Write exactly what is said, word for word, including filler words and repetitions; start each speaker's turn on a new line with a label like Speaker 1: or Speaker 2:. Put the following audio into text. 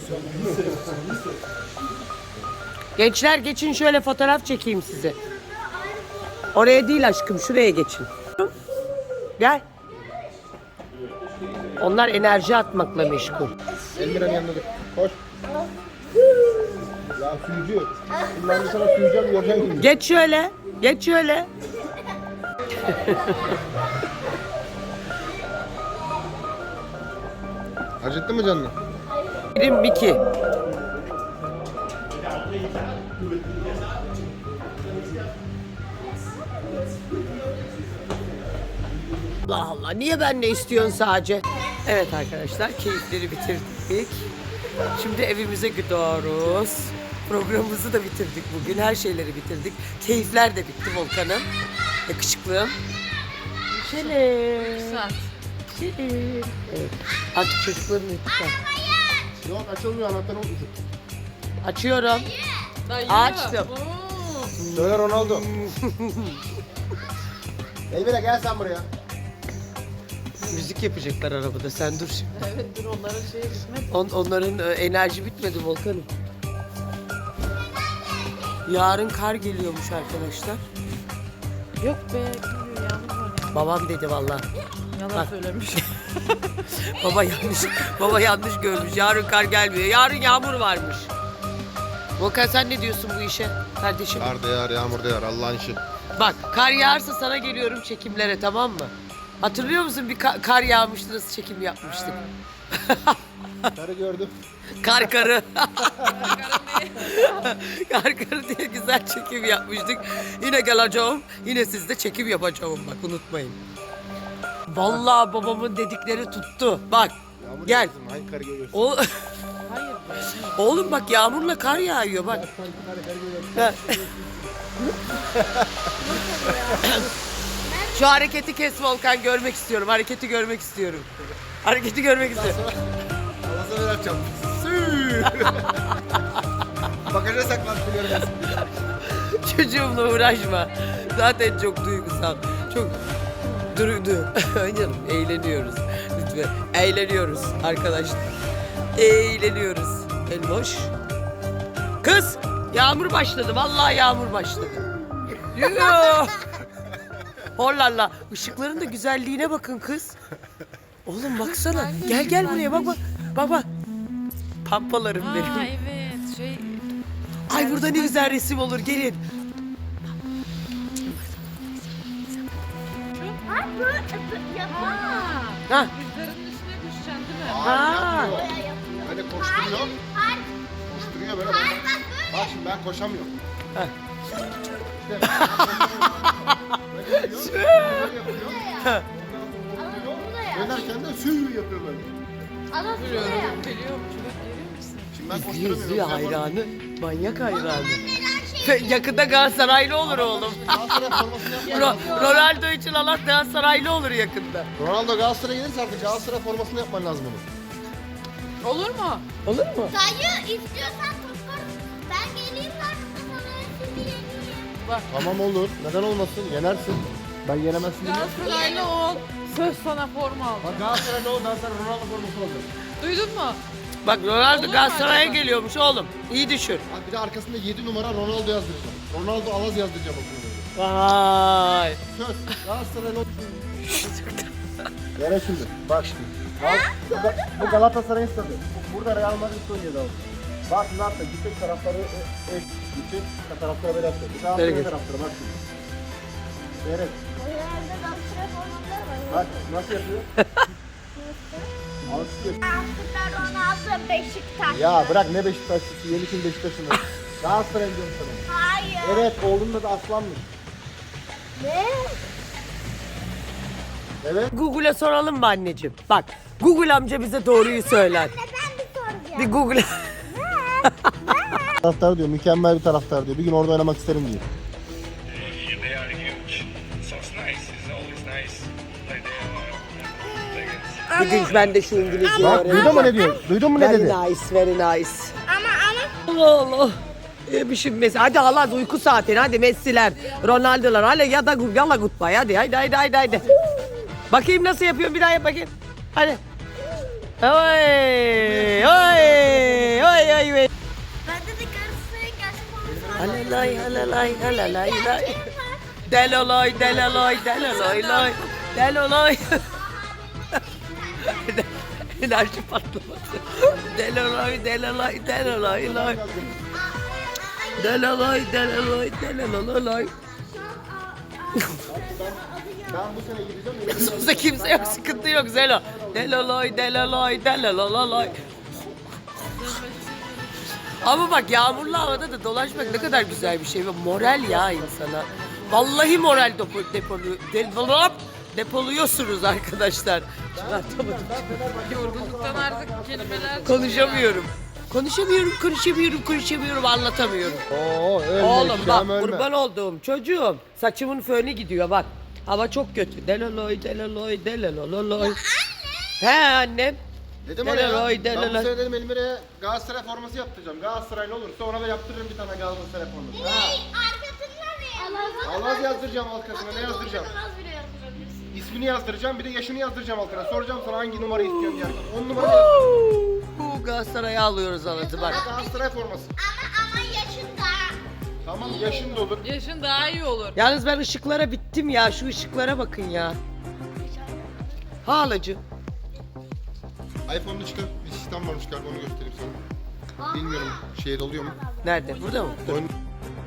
Speaker 1: Gençler geçin, şöyle fotoğraf çekeyim sizi. Oraya değil aşkım, şuraya geçin. Gel. Onlar enerji atmakla meşgul.
Speaker 2: Elmira'nın yanına dur. Koş. Ya suyucu. Şimdi ben de sana suyacağım, göreceksin şimdi.
Speaker 1: Geç şöyle. Geç şöyle.
Speaker 2: Acıttı mı canını?
Speaker 1: Birim iki. Allah Allah, niye ben ne istiyorsun sadece? Evet arkadaşlar, keyifleri bitirdik. Şimdi evimize gidiyoruz. Programımızı da bitirdik bugün. Her şeyleri bitirdik. Keyifler de bitti Volkan'ım. Yakışıklığım. Şöyle.
Speaker 3: Saat.
Speaker 1: Evet. Artık çocukların lütfen.
Speaker 2: Yok, açılmıyor, anahtarı unutmuşum.
Speaker 1: Açıyorum.
Speaker 3: Dayı.
Speaker 1: Açtım.
Speaker 3: Oo.
Speaker 2: Söyle Ronaldo. Elmira gel sen buraya.
Speaker 1: Müzik yapacaklar arabada, sen dur şimdi.
Speaker 3: Evet, dur onların şeyi bitmedi.
Speaker 1: On, onların e, enerji bitmedi Volkan'ım. Yarın kar geliyormuş arkadaşlar.
Speaker 3: Yok be, kim diyor, yağmur var ya.
Speaker 1: Babam dedi vallahi.
Speaker 3: Yalan
Speaker 1: Bak.
Speaker 3: söylemiş.
Speaker 1: Baba yanlış, baba yanlış görmüş. Yarın kar gelmiyor. Yarın yağmur varmış. Volkan sen ne diyorsun bu işe kardeşim?
Speaker 2: Kar da yağar, yağmur da yağar, Allah'ın işi.
Speaker 1: Bak, kar yağarsa sana geliyorum çekimlere, tamam mı? Hatırlıyor musun, bir ka- kar yağmıştı, nasıl çekim yapmıştık?
Speaker 2: Karı gördüm.
Speaker 1: Kar karı. Kar karı diye güzel çekim yapmıştık. Yine geleceğim. Yine sizde çekim yapacağım, bak unutmayın. Vallahi babamın dedikleri tuttu. Bak
Speaker 2: Yağmur
Speaker 1: gel.
Speaker 2: yağsın, hangi karı görüyorsun?
Speaker 1: O...
Speaker 3: Hayır be.
Speaker 1: Oğlum bak, yağmurla kar yağıyor bak.
Speaker 2: Karı, karı görüyorsun.
Speaker 1: Ha. Şu hareketi kes Volkan, görmek istiyorum. Hareketi görmek istiyorum. Hareketi görmek istiyorum.
Speaker 2: Allah'a ver açacağım. Süüü. Bagaja saklan, görmesin.
Speaker 1: Çocuğumla uğraşma. Zaten çok duygusal. Çok durdu. Canım, eğleniyoruz. Lütfen. Eğleniyoruz arkadaşlar. Eğleniyoruz. Elmoş. Kız, yağmur başladı. Vallahi yağmur başladı. Yoo. Hollalla. Işıkların da güzelliğine bakın kız. Oğlum baksana. Gel gel buraya, bak bak. Bak bak. Pampalarım
Speaker 3: Aa,
Speaker 1: benim.
Speaker 3: evet, şey.
Speaker 1: Ay burada ne güzel resim olur, gelin.
Speaker 4: Ay böyle yapma.
Speaker 1: Ha.
Speaker 3: Rüzgarın üstüne düşeceksin değil mi?
Speaker 1: Ha.
Speaker 2: Hayır, yapmıyor. Böyle koşturuyor.
Speaker 4: Hayır.
Speaker 2: Koşturuyor böyle.
Speaker 4: Hayır bak böyle.
Speaker 2: Bak şimdi ben koşamıyorum.
Speaker 1: Heh.
Speaker 2: İşte böyle yapıyor. Böyle yapıyor.
Speaker 4: Ama bu da ya.
Speaker 2: Dönerken de süüü yapıyor böyle.
Speaker 4: Ama bu da ya.
Speaker 3: Geliyorum, geliyorum. Şurada görüyor musun?
Speaker 2: Şimdi ben
Speaker 1: İzliyor
Speaker 2: koşturamıyorum.
Speaker 1: izliyor,
Speaker 2: Sen bana-
Speaker 1: hayranı. Manyak hayranı.
Speaker 4: Neden şey?
Speaker 1: Yakında Galatasaraylı olur oğlum.
Speaker 2: Galatasaray formasını yapman
Speaker 1: Ro-
Speaker 2: lazım.
Speaker 1: Ronaldo için Allah Galatasaraylı olur yakında.
Speaker 2: Ronaldo Galatasaray'a gelirse artık Galatasaray formasını yapman lazım onu.
Speaker 3: Olur mu?
Speaker 1: Olur mu?
Speaker 4: Dayı istiyorsan toplar. Ben geleyim karşısına sana şimdi yeneyim.
Speaker 3: Bak.
Speaker 2: Tamam olur. Neden olmasın? Yenersin. Ben yenemezsin diye.
Speaker 3: Galatasaraylı ol. Söz sana forma al.
Speaker 2: Bak Galatasaray'da ol, ben sana Ronaldo forması alacağım.
Speaker 3: Duydun mu?
Speaker 1: Bak Ronaldo
Speaker 3: Olur mu
Speaker 1: Galatasaray'a
Speaker 3: acaba?
Speaker 1: geliyormuş oğlum. İyi düşün.
Speaker 2: Bak bir de arkasında yedi numara Ronaldo yazdıracağım. Ronaldo Alaz yazdıracağım okuluna.
Speaker 1: Vay.
Speaker 2: Söz. Galatasaray'da ol. Yere şimdi. Bak şimdi. Bak, bu, Ga- bu Galatasaray'ın stadı. Bu- Burada Real Madrid oynuyordu abi. Bak ne yaptı? Bütün tarafları e, e, bütün taraflara böyle yaptı. Bir daha
Speaker 1: Nereye
Speaker 2: böyle
Speaker 1: git?
Speaker 2: taraflara bak şimdi. Seyret.
Speaker 4: Herhalde Galatasaray formaları var.
Speaker 2: Bak nasıl yapıyor? Alışıyor.
Speaker 4: Aslında Ronaldo Beşiktaş.
Speaker 2: Ya bırak ne Beşiktaşlısı, yeni kim Beşiktaş'ın. Galatasaray diyorum sana.
Speaker 4: Hayır.
Speaker 2: Evet, oğlunun adı Aslan'mış.
Speaker 4: Ne?
Speaker 2: Evet.
Speaker 1: Google'a soralım mı anneciğim? Bak Google amca bize doğruyu söyler.
Speaker 4: Ne ben bir soracağım.
Speaker 1: Bir Google.
Speaker 2: Taraftar diyor, mükemmel bir taraftar diyor. Bir gün orada oynamak isterim diyor.
Speaker 5: They are huge, so it's nice. It's always nice. Like they are. Like it's,
Speaker 1: Bir gün ben de şu İngilizceyi
Speaker 2: Bak
Speaker 1: öğreneceğim.
Speaker 2: duydun mu ne diyor? Duydun mu ne
Speaker 1: Very
Speaker 2: dedi?
Speaker 1: nice, very nice.
Speaker 4: Ama ama.
Speaker 1: Allah Allah. Yemişim Messi. Hadi Allah uyku saatini. Hadi Messi'ler, Ronaldo'lar. Hadi ya da yalla goodbye. Hadi haydi haydi haydi haydi. Bakayım nasıl yapıyorum, bir daha yap bakayım. Hadi. Oy, oy, Halalay halalay halalay lay. Delolay delolay delolay lay. Delolay. Enerji patlaması. Delolay delolay delolay lay. Delolay delolay delolay lay.
Speaker 2: Ben bu sene gideceğim.
Speaker 1: Sözde kimse yok, sıkıntı yok Zelo. Delolay delolay delolay. Ama bak yağmurlu havada da dolaşmak ne kadar güzel bir şey ve moral ya insana. Vallahi moral depo, depolu, depo, depoluyorsunuz arkadaşlar. Çıkartamadım.
Speaker 3: Yorgunluktan artık kelimeler
Speaker 1: Konuşamıyorum. Konuşamıyorum, konuşamıyorum, konuşamıyorum, anlatamıyorum.
Speaker 2: Oo ölme.
Speaker 1: Oğlum bak
Speaker 2: Şam, ölme.
Speaker 1: kurban olduğum çocuğum. Saçımın fönü gidiyor bak. Hava çok kötü. Deloloy, deloloy, delololoy. He annem.
Speaker 2: Dedim ona ya.
Speaker 1: Deloloy,
Speaker 2: Ben bu
Speaker 1: deloloy.
Speaker 2: sene dedim Elmir'e Galatasaray forması yaptıracağım. Galatasaraylı olursa ona da yaptırırım bir tane Galatasaray forması. Ha.
Speaker 4: Arkasında ne?
Speaker 2: Alaz yazdıracağım arkasına. Ne yazdıracağım?
Speaker 4: Az bile yazdırabilirsin.
Speaker 2: İsmini yazdıracağım, bir de yaşını yazdıracağım altına. Soracağım sana hangi numara istiyorsun diye. on numara yazdıracağım.
Speaker 1: Bu Galatasaray'ı alıyoruz anlatı bak.
Speaker 2: Galatasaray forması.
Speaker 4: Ama ama yaşında.
Speaker 2: Tamam yaşın da olur.
Speaker 3: yaşın daha iyi olur.
Speaker 1: Yalnız ben ışıklara bittim ya. Şu ışıklara bakın ya. Halacığım.
Speaker 2: iPhone'da çıkan bir sistem varmış galiba onu göstereyim sana. Bilmiyorum şehir oluyor mu?
Speaker 1: Nerede? Burada mı? Dur.
Speaker 2: Oyun...